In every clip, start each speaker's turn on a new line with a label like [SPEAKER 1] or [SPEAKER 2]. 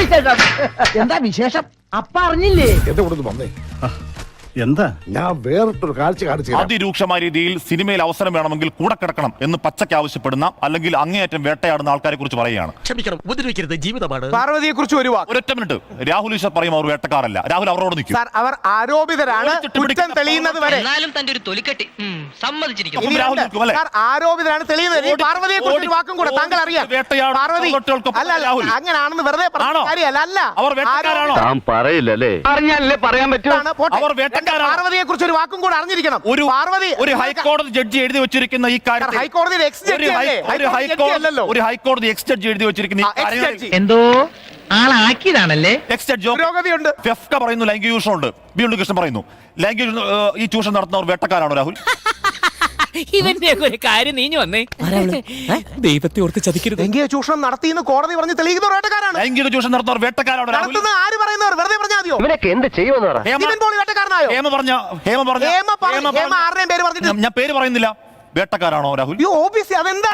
[SPEAKER 1] എന്താ വിശേഷം? അപ്പ അറിഞ്ഞില്ലേ?
[SPEAKER 2] എന്റെ കൂടെ വന്നേ.
[SPEAKER 3] എന്താ?
[SPEAKER 2] ഞാൻ വേറിട്ടൊരു കാഴ്ച കാണിച്ചു.
[SPEAKER 4] അതിരൂക്ഷമായ രീതിയിൽ സിനിമയിൽ അവസരം വേണമെങ്കിൽ കൂടെ കിടക്കണം എന്ന് പച്ചയ്ക്ക് ആവശ്യപ്പെടുന്ന അല്ലെങ്കിൽ അങ്ങേയറ്റം വേട്ടയാടുന്ന ആൾക്കാരെ കുറിച്ച് പറയുകയാണ്.
[SPEAKER 5] ക്ഷമിക്കണം, ഉപദ്രവിക്കരുത്, ജീവിതമാണ്.
[SPEAKER 6] പാർവതിയെ കുറിച്ച് ഒരു വാക്ക്.
[SPEAKER 4] ഒരൊറ്റ മിനിറ്റ്. രാഹുൽ ഈശ്വർ പറയും അവർ വേട്ടക്കാരല്ല. രാഹുൽ അവരോട് നിൽക്കും.
[SPEAKER 6] സാർ, അവർ ആരോപിതരാണ്. കുറ്റം തെളിയുന്നത് വരെ
[SPEAKER 1] തന്റെ ഒരു തൊലിക്കെട്ടി സമ്മതിച്ചിരിക്കുന്നു.
[SPEAKER 6] ഇനി
[SPEAKER 4] രാഹുൽ നിൽക്കും അല്ലേ?
[SPEAKER 6] സാർ, ആരോപിതരാണ് തെളിയുന്നത്. ഈ പാർവതിയെ കുറിച്ച് ഒരു വാക്കും കൂടെ താങ്കൾ അറിയാം. പാർവതി അല്ല, അങ്ങനാണെന്ന് വെറുതെ പറഞ്ഞ കാര്യമല്ല. അല്ല,
[SPEAKER 4] അവർ വേട്ടക്കാരാണോ?
[SPEAKER 7] പറയില്ലല്ലേ?
[SPEAKER 1] അറിഞ്ഞാലേ പറയാൻ പറ്റൂ.
[SPEAKER 4] അവർ വേട്ടക്കാരാണോ?
[SPEAKER 6] പാർവതിയെ കുറിച്ച് ഒരു വാക്കും കൂടെ അറിഞ്ഞിരിക്കണം.
[SPEAKER 4] ഒരു ഹൈക്കോടതി ജഡ്ജി എഴുതി വെച്ചിരിക്കുന്ന ഈ കാര്യത്തിൽ
[SPEAKER 6] ഹൈക്കോടതി എക്സ് ജഡ്ജി
[SPEAKER 4] എഴുതി വെച്ചിരിക്കുന്ന ഈ കാര്യത്തിൽ
[SPEAKER 1] എന്തോ ആളാക്കിയതാണല്ലേ.
[SPEAKER 4] എക്സ് ജഡ്ജി
[SPEAKER 6] പുരോഗതിയുണ്ട്.
[SPEAKER 4] ഫെഫ്ക പറയുന്നു ലൈംഗിക ചൂഷണമുണ്ട്. ബി ഉണ്ണികൃഷ്ണൻ പറയുന്നു ലൈംഗിക ഈ ചൂഷണം നടത്തുന്നവർ വേട്ടക്കാരാണോ രാഹുൽ?
[SPEAKER 5] ഇവന്റെ ഒരു കാര്യം നീഞ്ഞു വന്നേ. ദൈവത്തെ ഓർത്ത് ചതിക്കരുത്.
[SPEAKER 6] ലൈംഗിക ചൂഷണം നടത്തിയെന്ന് കോടതി പറഞ്ഞ് തെളിയിക്കുന്നവർ വേട്ടക്കാരാണ്.
[SPEAKER 4] ലൈംഗിക ചൂഷണം നടത്തുന്നവർ വേട്ടക്കാരാണോ രാഹുൽ?
[SPEAKER 6] നടത്തുന്ന ആര് പറയുന്നവർ വെറുതെ പറഞ്ഞാൽ മതിയോ?
[SPEAKER 7] ഇവനൊക്കെ എന്ത് ചെയ്യുമെന്ന് പറ.
[SPEAKER 6] നിവിൻ പോളി വേട്ടക്കാരനായോ? ആരുടെയും പേര് പറഞ്ഞിട്ട്
[SPEAKER 4] ഞാൻ പേര് പറയുന്നില്ല. വേട്ടക്കാരാണോ രാഹുൽ?
[SPEAKER 6] അതെന്താ?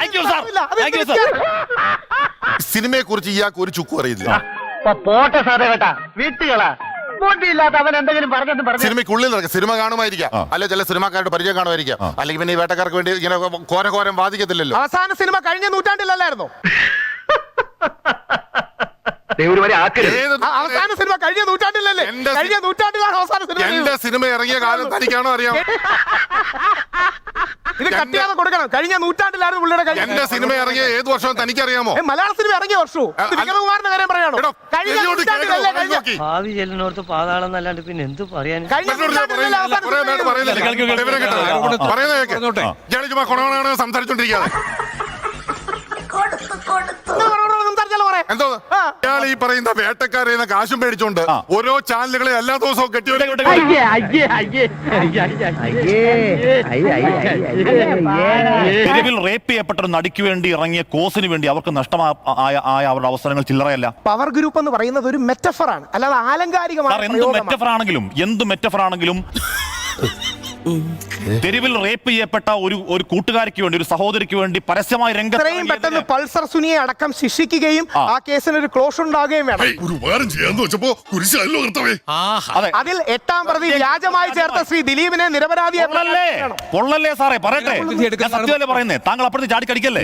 [SPEAKER 8] സിനിമയെ കുറിച്ച് ഇയാൾക്ക് ഒരു ചുക്കും അറിയില്ല.
[SPEAKER 1] പോട്ടെ സാറേ കേട്ടാ, വീട്ടുകളാ അവൻ എന്തെങ്കിലും പറഞ്ഞു.
[SPEAKER 8] സിനിമയ്ക്കുള്ളിൽ നടക്കുക. സിനിമ കാണുമായിരിക്കാം, അല്ലെ ചില സിനിമാക്കാരുടെ പരിചയം കാണുമായിരിക്കാം, അല്ലെങ്കിൽ പിന്നെ ഈ വേട്ടക്കാർക്ക് വേണ്ടി ഇങ്ങനെ ഘോരം വാദിക്കത്തില്ലല്ലോ.
[SPEAKER 6] അവസാന സിനിമ കഴിഞ്ഞ നൂറ്റാണ്ടിലല്ലായിരുന്നോ? അവസാന സിനിമ കഴിഞ്ഞ നൂറ്റാണ്ടിലല്ലേ? കഴിഞ്ഞ നൂറ്റാണ്ടിലാണ് അവസാന സിനിമ.
[SPEAKER 8] എന്റെ സിനിമ ഇറങ്ങിയ കാലം തനിക്കാണോ അറിയാം?
[SPEAKER 6] ഇത് കട്ടിയാതെ കൊടുക്കണം. കഴിഞ്ഞ നൂറ്റാണ്ടിലായിരുന്നു പുള്ളിയുടെ കഴിഞ്ഞ.
[SPEAKER 8] എന്റെ സിനിമ ഇറങ്ങിയ ഏത് വർഷം തനിക്കറിയാമോ?
[SPEAKER 6] മലയാള സിനിമ ഇറങ്ങിയ വർഷവും വിക്രമകുമാറിന്റെ കാര്യം പറയാണോ? കഴിഞ്ഞ നൂറ്റാണ്ടിലല്ലേ?
[SPEAKER 1] ഭാവി ചെല്ലിനോർത്ത് പാതാളം എന്നല്ലാണ്ട് പിന്നെ എന്ത് പറയാൻ?
[SPEAKER 8] സംസാരിച്ചോണ്ടിരിക്കാതെ എന്തോ ഇയാൾ ഈ പറയുന്ന വേട്ടക്കാരെ കാശും മേടിച്ചോണ്ട് ഓരോ ചാനലുകളെ എല്ലാ ദിവസവും
[SPEAKER 4] തെരുവിൽ റേപ്പ് ചെയ്യപ്പെട്ട ഒരു നടിക്ക് വേണ്ടി ഇറങ്ങിയ കോസിന് വേണ്ടി അവർക്ക് നഷ്ടമായ അവരുടെ അവസരങ്ങൾ ചില്ലറയല്ല.
[SPEAKER 6] പവർ ഗ്രൂപ്പ് എന്ന് പറയുന്നത് ഒരു മെറ്റഫറാണ്, അല്ലാതെ ആലങ്കാരികമാണ്.
[SPEAKER 4] എന്ത് മെറ്റഫർ ആണെങ്കിലും തെരുവിൽ റേപ്പ് ചെയ്യപ്പെട്ട ഒരു കൂട്ടുകാരിക്ക് വേണ്ടി, ഒരു സഹോദരിക്ക് വേണ്ടി പരസ്യമായി രംഗത്ത്
[SPEAKER 6] പെട്ടെന്ന് പൾസർ സുനിയെ അടക്കം ശിക്ഷിക്കുകയും ആ കേസിന് ഒരു ക്ലോസ് ഉണ്ടാകുകയും വേണം. അതിൽ 8ാം പ്രതി വ്യാജമായി ചേർത്ത ശ്രീ ദിലീപിനെ നിരപരാധിയെ
[SPEAKER 4] പൊള്ളല്ലേ സാറേ? പറയട്ടെ, സത്യമല്ലേ പറയുന്നേ? താങ്കൾ അപ്പുറത്ത് ചാടിക്കടിക്കല്ലേ?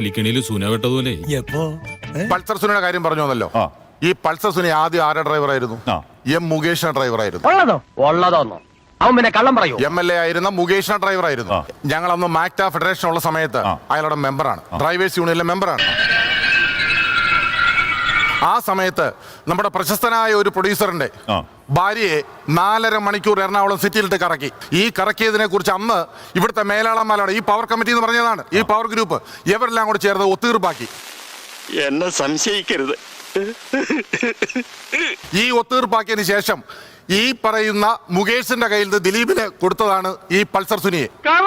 [SPEAKER 8] പൾസർ സുനിയുടെ കാര്യം പറഞ്ഞോന്നല്ലോ. ഈ പൾസർ സുനി ആദ്യം ആരുടെ ഡ്രൈവറായിരുന്നു? എം മുകേഷിന്റെ ഡ്രൈവറായിരുന്നു.
[SPEAKER 1] ഉള്ളതോന്നോ? അവൻ പിന്നെ കള്ളം പറയൂ.
[SPEAKER 8] MLA ആയിരുന്ന മുകേഷിന്റെ ഡ്രൈവറായിരുന്നു. ഞങ്ങൾ അന്ന് മാക്ട ഫെഡറേഷൻ ഉള്ള സമയത്ത് അയാളുടെ മെമ്പറാണ്, ഡ്രൈവേഴ്സ് യൂണിയനിലെ മെമ്പറാണ്. ആ സമയത്ത് നമ്മുടെ പ്രശസ്തനായ ഒരു പ്രൊഡ്യൂസറിന്റെ ഭാര്യയെ 4.5 മണിക്കൂർ എറണാകുളം സിറ്റിയിലിട്ട് കറക്കി. ഈ കറക്കിയതിനെ കുറിച്ച് അന്ന് ഇവിടുത്തെ മേലാളന്മാരാണ്, ഈ പവർ കമ്മിറ്റി എന്ന് പറഞ്ഞതാണ്, ഈ പവർ ഗ്രൂപ്പ്, ഇവരെല്ലാം കൂടെ ചേർന്ന് ഒത്തീർപ്പാക്കി.
[SPEAKER 7] എന്നെ സംശയിക്കരുത്.
[SPEAKER 8] ഈ ഒത്തീർപ്പാക്കിയതിന് ശേഷം ഈ പറയുന്ന മുകേഷിന്റെ കയ്യിൽ നിന്ന് ദിലീപിന് കൊടുത്തതാണ് ഈ പൾസർ സുനിയെ.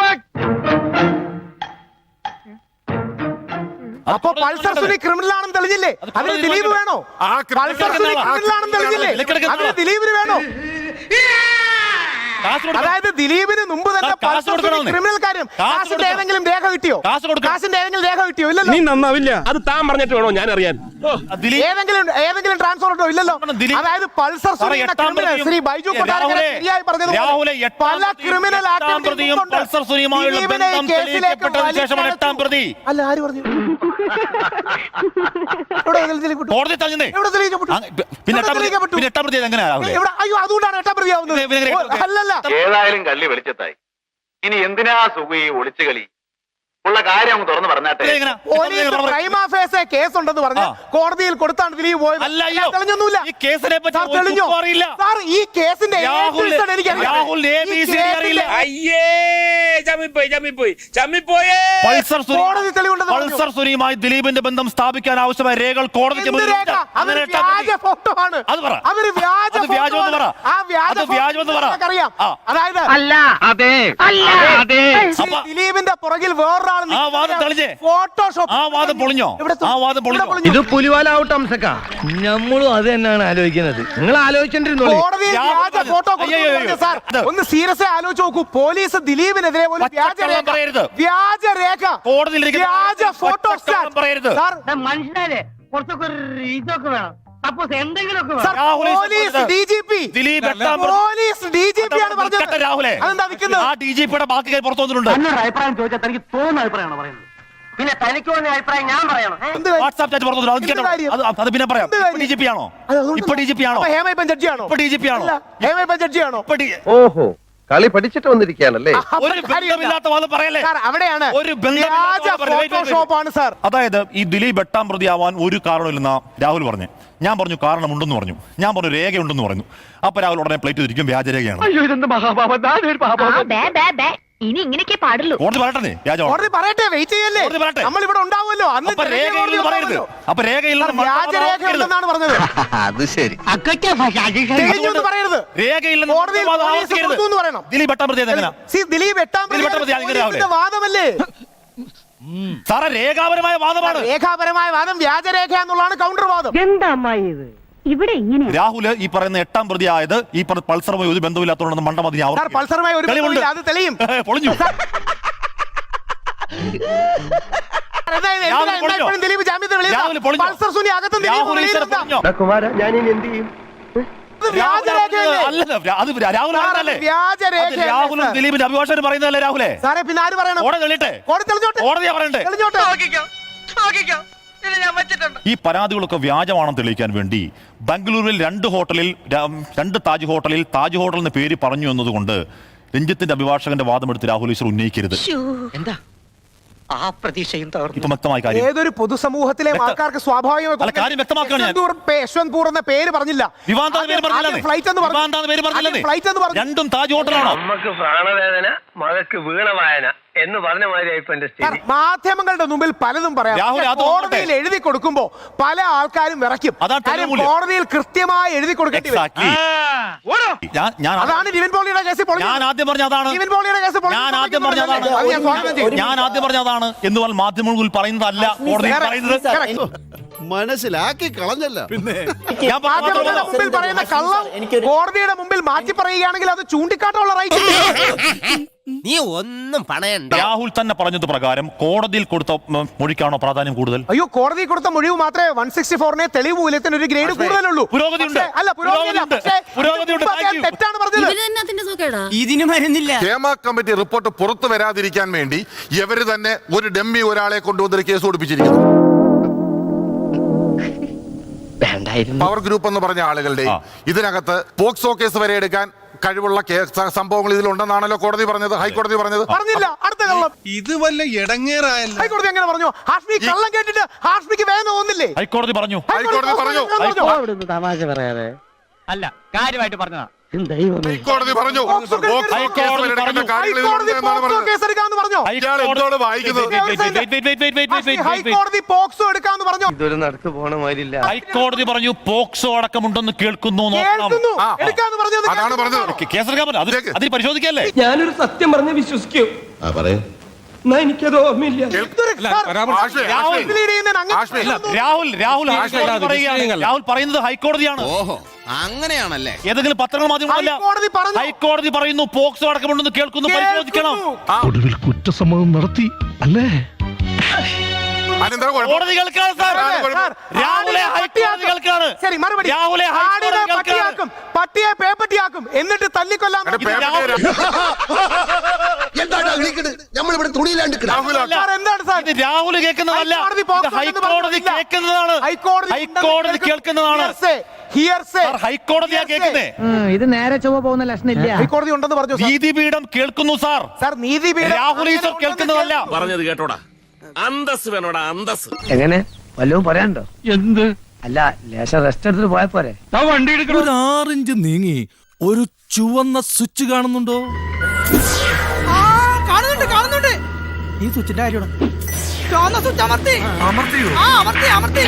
[SPEAKER 6] അപ്പൊ പൾസർ സുനി ക്രിമിനൽ ആണെന്ന് തെളിഞ്ഞില്ലേ? അതിന് ദിലീപ് വേണോ? പൾസർ സുനി ക്രിമിനൽ ആണെന്ന് തെളിഞ്ഞില്ലേ? അതിന് ദിലീപിന് വേണോ? അതായത് ദിലീപിന് മുമ്പ് തന്നെ ക്രിമിനൽ കാര്യം കാശിന്റെ ഏതെങ്കിലും രേഖ കിട്ടിയോ? കാശിന്റെ ഏതെങ്കിലും രേഖ കിട്ടിയോ? ഇല്ലല്ലോ.
[SPEAKER 5] നീ നന്നാവില്ല. അത് താൻ പറഞ്ഞിട്ട് വേണോ ഞാൻ അറിയാൻ?
[SPEAKER 6] ഏതെങ്കിലും ട്രാൻസ്ഫർ ഉണ്ടോ? ഇല്ലല്ലോ. അതായത് പൾസർ ശ്രീ ബൈജു കൊട്ടാരക്കര ശരിയായി പറഞ്ഞത് പല ക്രിമിനൽ അല്ല ആര് പറഞ്ഞു? അയ്യോ, അതുകൊണ്ടാണ് 8ാം പ്രതി ആവുന്നത്. അല്ലല്ല,
[SPEAKER 7] ഏതായാലും കള്ളി വെളിച്ചത്തായി. ഇനി എന്തിനാ സുഖ ഈ ഒളിച്ചു കളി? ഉള്ള കാര്യം തുറന്നു പറഞ്ഞാട്ടെ.
[SPEAKER 6] കേസ് ഉണ്ടെന്ന് പറഞ്ഞ കോടതിയിൽ കൊടുത്താണ് ദിലീപ് പോയത്. തെളിഞ്ഞൊന്നുമില്ല. ഈ കേസിന്റെ
[SPEAKER 4] പൾസർ സുനിയുമായി ദിലീപിന്റെ ബന്ധം സ്ഥാപിക്കാൻ ആവശ്യമായ രേഖകൾ കോടതിക്ക്
[SPEAKER 6] ദിലീപിന്റെ പുറകിൽ വേറൊരാൾ
[SPEAKER 1] ഇത് പുലിവാലാവട്ടെ അംസക്ക. നമ്മളും അത് തന്നെയാണ് ആലോചിക്കുന്നത്. നിങ്ങൾ ആലോചിച്ചിട്ടുണ്ടോ?
[SPEAKER 6] ഒന്ന് സീരിയസ് ആലോചിച്ച് നോക്കൂ. പോലീസ് ദിലീപിനെതിരെ വ്യാജരേഖ ഫോട്ടോ
[SPEAKER 1] മനുഷ്യരെ കുറച്ചൊക്കെ ഇതൊക്കെ വേണം. സപ്പോസ് എന്തെങ്കിലുമൊക്കെ
[SPEAKER 6] sir,
[SPEAKER 4] Rahul
[SPEAKER 6] police DGP
[SPEAKER 4] Dileep വെട്ടാമ്പ്രതി
[SPEAKER 6] പോലീസ് DGP ആണ് പറഞ്ഞത്.
[SPEAKER 4] രാഹുലെ
[SPEAKER 6] അതെന്താ നിൽക്കുന്നത്?
[SPEAKER 4] ആ DGP-യുടെ ബാക്കി കാര്യം പുറത്തു വന്നിട്ടുണ്ട്.
[SPEAKER 1] എന്നൊരു അഭിപ്രായം ചോദിച്ചാൽ തനിക്ക് തോന്നുന്ന അഭിപ്രായമാണ് പറയുന്നത്. പിന്നെ തനിക്ക് തോന്നിയ അഭിപ്രായം ഞാൻ പറയണം.
[SPEAKER 6] എന്ത് കാര്യം?
[SPEAKER 4] വാട്സാപ്പ് ചാറ്റ് പുറത്തു വന്നു. അത്
[SPEAKER 6] എന്ത്
[SPEAKER 4] കേട്ടോ.
[SPEAKER 6] കാര്യം?
[SPEAKER 4] അത് പിന്നെ പറയാം.
[SPEAKER 6] എന്ത് കാര്യം?
[SPEAKER 4] DGP ആണോ?
[SPEAKER 6] അത് അതുകൊണ്ട്
[SPEAKER 4] ഇപ്പൊ DGP ആണോ?
[SPEAKER 6] അപ്പൊ ഹേമ ഇപ്പം ജഡ്ജിയാണോ?
[SPEAKER 4] ഇപ്പൊ DGP ആണോ?
[SPEAKER 6] അല്ല, ഹേമ ഇപ്പം ജഡ്ജിയാണോ?
[SPEAKER 4] ഇപ്പൊ ഡി-
[SPEAKER 3] ഓഹോ കളി പഠിച്ചിട്ട് വന്നിരിക്കുകയാണല്ലേ.
[SPEAKER 4] ഒരു ബന്ധമില്ലാത്ത വാദം പറയല്ലേ?
[SPEAKER 6] സാർ, അവിടെയാണ്
[SPEAKER 4] ഒരു ബന്ധമില്ലാത്ത
[SPEAKER 6] വ്യാജ
[SPEAKER 4] വാദം പറയല്ലേ? Wait, wait, wait.
[SPEAKER 6] ഫോട്ടോഷോപ്പാണ് സാർ.
[SPEAKER 4] അതായത് ഈ ദിലീപ് എട്ടാം പ്രതിയാവാൻ ഒരു കാരണമില്ലെന്ന രാഹുൽ പറഞ്ഞു. ഞാൻ പറഞ്ഞു കാരണമുണ്ടെന്ന് പറഞ്ഞു. ഞാൻ പറഞ്ഞു രേഖയുണ്ടെന്ന് പറഞ്ഞു. അപ്പൊ രാഹുൽ ഉടനെ പ്ലേറ്റ് തിരിക്കും വ്യാജരേഖയാണ്.
[SPEAKER 1] അയ്യോ ഇതെന്ത് മഹാപാപം, ഞാനൊരു പാപം.
[SPEAKER 9] ഇനി ഇങ്ങനെയൊക്കെ പാടുള്ളൂ.
[SPEAKER 4] കോടതി പറയട്ടെ വ്യാജമാണ്.
[SPEAKER 6] കോടതി പറയട്ടെ, വെയിറ്റ് ചെയ്യല്ലേ.
[SPEAKER 4] കോടതി പറയട്ടെ.
[SPEAKER 6] നമ്മൾ ഇവിടെ ഉണ്ടാവുമല്ലോ. അന്ന്
[SPEAKER 4] അപ്പൊ രേഖയില്ലെന്ന് പറയരുത്. അപ്പൊ രേഖയില്ലെന്ന്
[SPEAKER 6] വ്യാജരേഖ ഉണ്ടെന്നാണ് പറഞ്ഞത്.
[SPEAKER 3] അത് ശരി.
[SPEAKER 6] തെളിയിച്ചൊന്നും പറയരുത്.
[SPEAKER 4] രേഖയില്ലെന്ന്
[SPEAKER 6] കോടതിയിൽ
[SPEAKER 4] വാദം
[SPEAKER 6] പോലീസ്
[SPEAKER 4] ആവർത്തിക്കരുത്.
[SPEAKER 6] കൊടുത്തു എന്ന് പറയണം.
[SPEAKER 4] ദിലീപ് എട്ടാം പ്രതി എങ്ങനെ?
[SPEAKER 6] See, ദിലീപ് എട്ടാം
[SPEAKER 4] ദിലീപ് എട്ടാം പ്രതി
[SPEAKER 6] പ്രതിയാണ്.
[SPEAKER 4] രാഹുൽ.
[SPEAKER 6] പോലീസിന്റെ വാദമല്ലേ?
[SPEAKER 4] സാറേ രേഖാപരമായ വാദമാണ്.
[SPEAKER 6] രേഖാപരമായ വാദം വ്യാജരേഖ എന്നുള്ളതാണ് കൗണ്ടർ വാദം.
[SPEAKER 1] എന്താ അമ്മായി ഇത്?
[SPEAKER 9] ഇവിടെ ഇങ്ങനെ
[SPEAKER 4] രാഹുൽ ഈ പറയുന്ന എട്ടാം പ്രതി ആയത് ഈ പൾസറുമായി ഒരു ബന്ധമില്ലാത്തതുകൊണ്ടെന്ന് മണ്ടമതി
[SPEAKER 6] സാർ, പൾസറുമായി ഒരു ബന്ധവുമില്ല, അത് തെളിയും.
[SPEAKER 4] പൊളിഞ്ഞു.
[SPEAKER 6] അതായത്
[SPEAKER 4] രാഹുൽ
[SPEAKER 6] എന്തിനാ
[SPEAKER 4] പൊളിഞ്ഞോ?
[SPEAKER 6] ഇപ്പോഴും ദിലീപ് ജാമ്യത്തിൽ വെളിയിലാ?
[SPEAKER 4] രാഹുൽ പൊളിഞ്ഞോ?
[SPEAKER 6] പൾസർ സുനി അകത്തും ദിലീപ്
[SPEAKER 4] രാഹുൽ ഈശ്വര
[SPEAKER 6] വെളിയിലെന്താ?
[SPEAKER 4] പൊളിഞ്ഞോ?
[SPEAKER 3] കുമാര ഞാൻ ഇനി എന്ത് ചെയ്യും?
[SPEAKER 6] അത് വ്യാജരേഖയല്ലേ?
[SPEAKER 4] അല്ലല്ലോ, അത് രാഹുൽ
[SPEAKER 6] സാർ,
[SPEAKER 4] പറയുന്നതല്ലേ?
[SPEAKER 6] അത് വ്യാജരേഖയല്ലേ,
[SPEAKER 4] അത് രാഹുലും
[SPEAKER 6] സാർ?
[SPEAKER 4] ദിലീപിന്റെ അഭിഭാഷകർ പറയുന്നതല്ലേ രാഹുലെ?
[SPEAKER 6] സാറേ, പിന്നെ ആര് പറയണം?
[SPEAKER 4] കോടതി തെളിയട്ടെ.
[SPEAKER 6] കോടതി തെളിഞ്ഞോട്ടെ.
[SPEAKER 4] കോടതിയാ പറയണ്ടേ?
[SPEAKER 6] തെളിഞ്ഞോട്ടെ.
[SPEAKER 4] ഈ പരാതികളൊക്കെ വ്യാജമാണെന്ന് തെളിയിക്കാൻ വേണ്ടി ബംഗളൂരുവിൽ രണ്ട് താജ് ഹോട്ടലിൽ താജ് ഹോട്ടൽ എന്ന പേര് പറഞ്ഞു എന്നതുകൊണ്ട് രഞ്ജിത്തിന്റെ അഭിഭാഷകന്റെ വാദമെടുത്ത് രാഹുൽ ഈശ്വർ ഉന്നയിക്കരുത്.
[SPEAKER 5] എന്താ ആ പ്രതീക്ഷയും
[SPEAKER 4] ഇപ്പൊ വ്യക്തമായ കാര്യം.
[SPEAKER 6] ഏതൊരു പൊതുസമൂഹത്തിലെ ആൾക്കാർക്ക്
[SPEAKER 4] അല്ല, കാര്യം വ്യക്തമാക്കുകയാണ് ഞാൻ.
[SPEAKER 6] യശ്വന്ത്പൂർ എന്ന പേര് പറഞ്ഞില്ല.
[SPEAKER 4] വിവാന്താന്ന് പേര് പറഞ്ഞില്ലേ?
[SPEAKER 6] ഫ്ലൈറ്റ് എന്ന് പറഞ്ഞു.
[SPEAKER 4] വിവാന്താന്ന് പേര് പറഞ്ഞില്ലേ?
[SPEAKER 6] ഫ്ലൈറ്റ് എന്ന് പറഞ്ഞു.
[SPEAKER 4] രണ്ടും താജ് ഹോട്ടലാണോ?
[SPEAKER 10] അമ്മക്ക് പ്രാണവേദന, മകക്ക് വീണവായന എന്ന് പറഞ്ഞ മാതിരി ഇപ്പൊ എന്റെ സ്ഥിതി.
[SPEAKER 6] മാധ്യമങ്ങളുടെ മുമ്പിൽ പലതും പറയാം.
[SPEAKER 4] രാഹുൽ, അത്
[SPEAKER 6] കോടതിയിൽ എഴുതി കൊടുക്കുമ്പോ പല ആൾക്കാരും വിറയ്ക്കും.
[SPEAKER 4] അതാണ്
[SPEAKER 6] കാര്യം
[SPEAKER 4] തെളിവ്.
[SPEAKER 6] കോടതിയിൽ കൃത്യമായി എഴുതി കൊടുക്കേണ്ടി വരും.
[SPEAKER 4] Exactly.
[SPEAKER 6] അതാണ് നിവിൻ പോളിയുടെ കേസിൽ പൊളിഞ്ഞത്.
[SPEAKER 4] ഞാൻ ആദ്യം പറഞ്ഞ അതാണ്.
[SPEAKER 6] നിവിൻ പോളിയുടെ കേസ് പൊളിഞ്ഞത്.
[SPEAKER 4] ഞാൻ ആദ്യം പറഞ്ഞ അതാണ്.
[SPEAKER 6] അത് ഞാൻ സ്വാഗതം ചെയ്യും.
[SPEAKER 4] ഞാൻ ആദ്യം പറഞ്ഞ അതാണ് എന്ന് പറഞ്ഞാൽ മാധ്യമങ്ങൾ പറയുന്നതല്ല കോടതി പറയുന്നത്.
[SPEAKER 6] Correct.
[SPEAKER 2] മനസ്സിലാക്കി കളഞ്ഞല്ല. പിന്നെ
[SPEAKER 4] ഞാൻ
[SPEAKER 6] മാധ്യമങ്ങളുടെ മുമ്പിൽ പറയുന്ന കള്ളം കോടതിയുടെ മുമ്പിൽ മാറ്റി പറയുകയാണെങ്കിൽ അത് ചൂണ്ടിക്കാട്ടാനുള്ള റൈറ്റ്.
[SPEAKER 5] നീ ഒന്നും പണയണ്ട.
[SPEAKER 4] രാഹുൽ തന്നെ പറഞ്ഞത് പ്രകാരം കോടതിയിൽ കൊടുത്ത മൊഴിക്കാണോ പ്രാധാന്യം കൂടുതൽ?
[SPEAKER 6] അയ്യോ, കോടതി കൊടുത്ത മൊഴിവ് മാത്രമേ 164 തെളിവ് മൂല്യത്തിന് ഒരു ഗ്രേഡ് കൂടുതലുള്ളൂ.
[SPEAKER 4] പുരോഗതിയുണ്ട്.
[SPEAKER 6] പക്ഷേ- അല്ല, പുരോഗതിയില്ല. പക്ഷേ
[SPEAKER 4] പുരോഗതിയുണ്ട്.
[SPEAKER 6] ഇതിപ്പോ അദ്ദേഹം തെറ്റാണ് പറഞ്ഞത്.
[SPEAKER 5] ഇതിന് മരുന്നില്ല.
[SPEAKER 8] ഹേമ കമ്മിറ്റി റിപ്പോർട്ട് പുറത്തു വരാതിരിക്കാൻ വേണ്ടി ഇവര് തന്നെ ഒരു ഡമ്മി ഒരാളെ കൊണ്ടുവന്നൊരു കേസ് കൊടുപ്പിച്ചിരിക്കുന്നു. പവർ ഗ്രൂപ്പ് എന്ന് പറഞ്ഞ ആളുകളുടെ ഇതിനകത്ത് പോക്സോ കേസ് വരെ എടുക്കാൻ കഴിവുള്ള സംഭവങ്ങൾ ഇതിലുണ്ടെന്നാണല്ലോ കോടതി പറഞ്ഞത്, ഹൈക്കോടതി പറഞ്ഞത്.
[SPEAKER 6] പറഞ്ഞില്ല. അടുത്ത കള്ളം
[SPEAKER 2] ഇത് വല്ല ഇടങ്ങേറായല്ല.
[SPEAKER 6] ഹൈക്കോടതി എങ്ങനെ പറഞ്ഞു? ഹാഷ്മി കള്ളം കേട്ടിട്ട് ഹാഷ്മിക്ക് വേദന തോന്നില്ലേ?
[SPEAKER 4] ഹൈക്കോടതി പറഞ്ഞു.
[SPEAKER 8] ഹൈക്കോടതി പറഞ്ഞു.
[SPEAKER 1] തമാശ പറയാതെ
[SPEAKER 5] അല്ല, കാര്യമായിട്ട് പറഞ്ഞതാ.
[SPEAKER 8] ഹൈക്കോടതി പറഞ്ഞു.
[SPEAKER 6] പോക്സോ കേസ്
[SPEAKER 8] പോക്സോ കേസ് വരെ എടുക്കേണ്ട കാര്യങ്ങൾ
[SPEAKER 6] ഹൈക്കോടതി
[SPEAKER 8] ഇതിലുണ്ട് എന്നാണ്
[SPEAKER 6] പോക്സോ
[SPEAKER 8] പറഞ്ഞത്.
[SPEAKER 6] കേസ് എടുക്കാന്ന് പറഞ്ഞോ?
[SPEAKER 8] ഇയാൾ എന്തോട് വായിക്കുന്നത്?
[SPEAKER 6] ഹാഷ്മി, ഹൈക്കോടതി പോക്സോ എടുക്കാന്ന് പറഞ്ഞോ?
[SPEAKER 3] ഇതൊരു നടക്ക് പോണ മാതിരില്ല.
[SPEAKER 4] ഹൈക്കോടതി പറഞ്ഞു പോക്സോ അടക്കമുണ്ടെന്ന് കേൾക്കുന്നു.
[SPEAKER 6] കേൾക്കുന്നു. എടുക്കാന്ന് പറഞ്ഞത്
[SPEAKER 8] അതാണ് പറഞ്ഞത്.
[SPEAKER 4] കേസെടുക്കാൻ പറഞ്ഞു. അതിൽ പരിശോധിക്കല്ലേ?
[SPEAKER 10] ഞാനൊരു സത്യം പറഞ്ഞ് വിശ്വസിക്കൂ. എന്നാ എനിക്കത് ഓർമ്മയില്ല.
[SPEAKER 4] രാഹുൽ പറയുന്നത് ഹൈക്കോടതിയാണ്.
[SPEAKER 5] ഓഹോ, അങ്ങനെയാണല്ലേ?
[SPEAKER 4] ഏതെങ്കിലും പത്രങ്ങൾ മാധ്യമങ്ങളല്ല.
[SPEAKER 6] ഹൈക്കോടതി പറഞ്ഞു.
[SPEAKER 4] ഹൈക്കോടതി പറയുന്നു പോക്സോ അടക്കമുണ്ടെന്ന് കേൾക്കുന്നു, പരിശോധിക്കണം.
[SPEAKER 2] ഒടുവിൽ കുറ്റസമ്മതം നടത്തി അല്ലേ?
[SPEAKER 4] കോടതി കേൾക്കാണ് സാർ. രാഹുലെ ഹൈക്കോടതി കേൾക്കാണ്.
[SPEAKER 6] ശരി, മറുപടി.
[SPEAKER 4] രാഹുലെ ഹൈക്കോടതി കേൾക്കാണ്.
[SPEAKER 6] പട്ടിയാക്കും, പട്ടിയെ പേപ്പട്ടിയാക്കും, എന്നിട്ട് തല്ലിക്കൊല്ലാൻ
[SPEAKER 2] നമ്മളിവിടെ തുണിയിലാണ്ട്
[SPEAKER 6] എന്താണ് സാർ?
[SPEAKER 4] ഇത് രാഹുൽ കേൾക്കുന്നതല്ല, ഹൈക്കോടതി കേൾക്കുന്നതാണ്. ഹൈക്കോടതി കേൾക്കുന്നതാണ്. ഹൈക്കോടതിയാ കേൾക്കുന്നേ.
[SPEAKER 1] ഇത് നേരെ ചൊവ്വ പോകുന്ന ലക്ഷണില്ല.
[SPEAKER 6] ഹൈക്കോടതി ഉണ്ടെന്ന് പറഞ്ഞു.
[SPEAKER 4] നീതിപീഠം കേൾക്കുന്നു സാർ.
[SPEAKER 6] സാർ, നീതിപീഠം
[SPEAKER 4] രാഹുൽ ഈശ്വർ കേൾക്കുന്നതല്ല.
[SPEAKER 10] പറഞ്ഞത് കേട്ടോടാ, അന്തസ് വേണോടാ, അന്തസ്.
[SPEAKER 1] എങ്ങനെ വല്ലതും പറയാനുണ്ടോ? എന്ത്? അല്ല, ലേശം റെസ്റ്റ് എടുത്തിട്ട് പോയാ പോരെ?
[SPEAKER 11] ഒരു 6 ഇഞ്ച് നീങ്ങി ഒരു ചുവന്ന സ്വിച്ച് കാണുന്നുണ്ടോ?
[SPEAKER 5] കാണുന്നുണ്ട്.
[SPEAKER 11] ഈ സ്വിച്ചിന്റെ കാര്യമാണ്.
[SPEAKER 5] ചുവന്ന സ്വിച്ച് അമർത്തി.
[SPEAKER 11] അമർത്തിയോ?
[SPEAKER 5] അമർത്തി.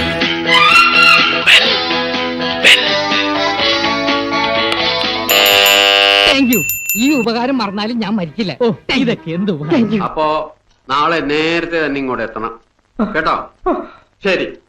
[SPEAKER 1] Thank you. ഈ ഉപകാരം മറന്നാലും ഞാൻ മരിക്കില്ല. ഇതൊക്കെ എന്ത് ഉപകാരം.
[SPEAKER 10] അപ്പോ നാളെ നേരത്തെ തന്നെ ഇങ്ങോട്ട് എത്തണം കേട്ടോ. ശരി.